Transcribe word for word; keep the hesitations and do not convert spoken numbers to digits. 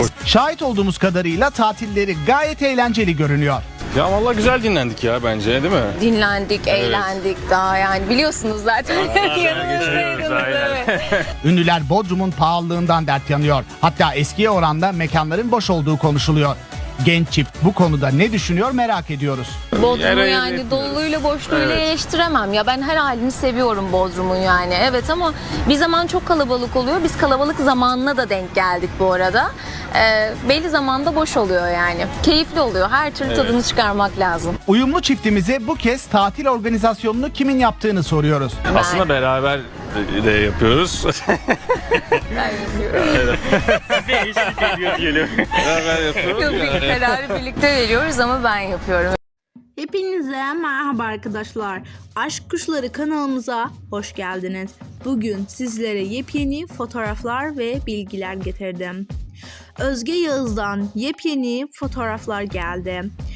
Şahit olduğumuz kadarıyla tatilleri gayet eğlenceli görünüyor. Ya vallahi güzel dinlendik ya bence, değil mi? Dinlendik, eğlendik daha yani biliyorsunuz zaten. Yanımızdaydınız, evet. Ünlüler Bodrum'un pahalılığından dert yanıyor. Hatta eskiye oranla mekanların boş olduğu konuşuluyor. Genç çift bu konuda ne düşünüyor merak ediyoruz. Bodrum'u Yere yani yapıyoruz. doluluğuyla boşluğuyla Evet. eleştiremem ya, ben her halini seviyorum Bodrum'un yani, evet, ama bir zaman çok kalabalık oluyor, biz kalabalık zamanına da denk geldik bu arada. Ee, belli zamanda boş oluyor yani, keyifli oluyor, her türlü tadını çıkarmak lazım. Uyumlu çiftimize bu kez tatil organizasyonunu kimin yaptığını soruyoruz. Aslında beraber de yapıyoruz. Ben yapıyorum. Beraber yapıyoruz. Yok, bir kararı birlikte veriyoruz ama ben yapıyorum. Hepinize merhaba arkadaşlar. Aşk Kuşları kanalımıza hoş geldiniz. Bugün sizlere yepyeni fotoğraflar ve bilgiler getirdim. Özge Yağız'dan yepyeni fotoğraflar geldi.